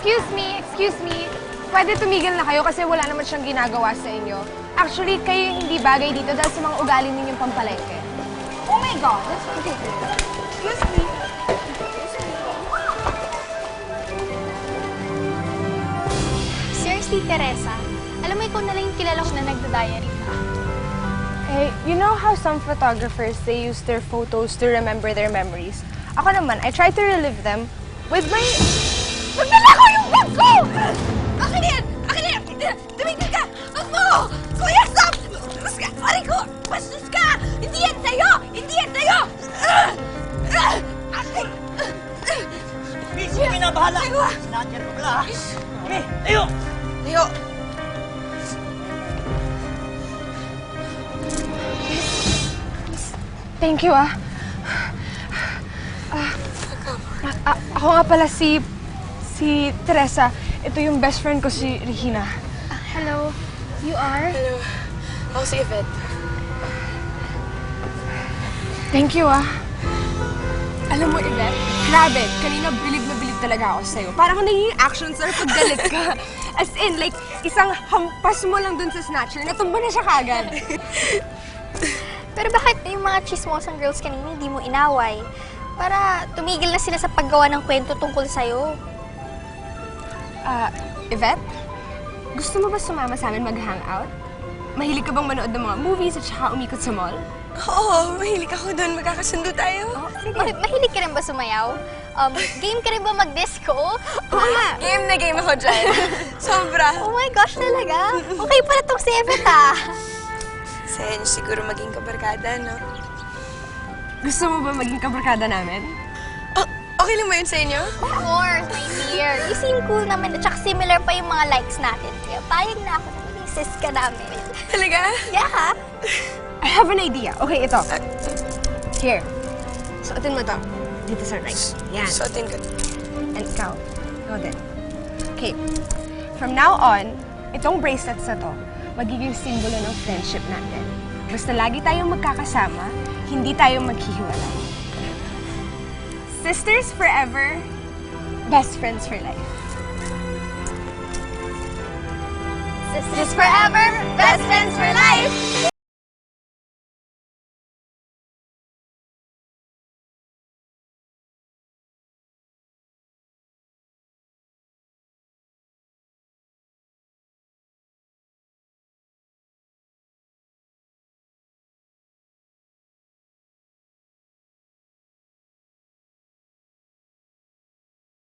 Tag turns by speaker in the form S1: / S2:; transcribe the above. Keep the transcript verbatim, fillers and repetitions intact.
S1: Excuse me, excuse me. Pwede tumigil na kayo kasi wala naman siyang ginagawa sa inyo. Actually, kayo yung hindi bagay dito dahil sa mga ugali ninyong pampalengke. Oh my God, that's ridiculous. Excuse me.
S2: Seriously, Teresa, alam mo ikaw na lang yung kilala ko na nagda-diary ka.
S1: Hey, you know how some photographers, they use their photos to remember their memories? Ako naman, I try to relive them with my... Magdala ko yung bag ko!
S3: Akin yan! Akin yan! Tumigil ka! Wag mo! Kuya, stop! Bastos ka! Pare ko! Bastos ka! Hindi yan sa'yo! Hindi yan sa'yo! Akin!
S4: Miss, kami na bahala! Sinadyan mo pala, ha? Kami, tayo!
S3: Tayo!
S1: Thank you, ah. Ah, ah, ako nga pala si... si Teresa. Ito yung best friend ko, si Regina.
S2: Hello, you are?
S3: Hello. Ako si Yvette.
S1: Thank you, ah. Alam mo, Yvette, grabe, kanina bilib na bilib talaga ako sa'yo. Parang naging action star pag galit ka. As in, like, isang hampas mo lang dun sa snatcher, natumba na siya kagad.
S2: Pero bakit yung mga chismosang girls kanina hindi mo inaway? Para tumigil na sila sa paggawa ng kwento tungkol sa'yo.
S1: Ah, Yvette, gusto mo ba sumama sa amin mag-hangout? Mahilig ka bang manood ng mga movies at saka umikot sa mall?
S3: Oo, mahilig ako doon. Magkakasundo tayo.
S1: Oh, sige.
S2: Ma- mahilig ka rin ba sumayaw? Um, game ka rin ba mag-disco?
S1: Oo nga.
S3: Game na game ako dyan. Sobra.
S2: Oh my gosh, talaga? Okay pala tong si Yvette, ah.
S3: Sen, siguro maging kabarkada, no?
S1: Gusto mo ba maging kabarkada namin?
S3: Oh, okay lang ba yun sa inyo?
S2: Of course, my dear. You seem cool naman at saka similar pa yung mga likes natin. Kaya payag na ako na maging sis ka namin.
S3: Talaga?
S2: Yeah.
S1: I have an idea. Okay, ito. Here. Suotin mo to. Dito sa right. Yan.
S3: Suotin ko.
S1: And ikaw. Ikaw din. Okay. From now on, itong bracelets na to, magiging simbolo ng friendship natin. Basta lagi tayong magkakasama, hindi tayo maghihiwalay. Sisters forever, best friends for life.
S2: Sisters forever, best friends for life.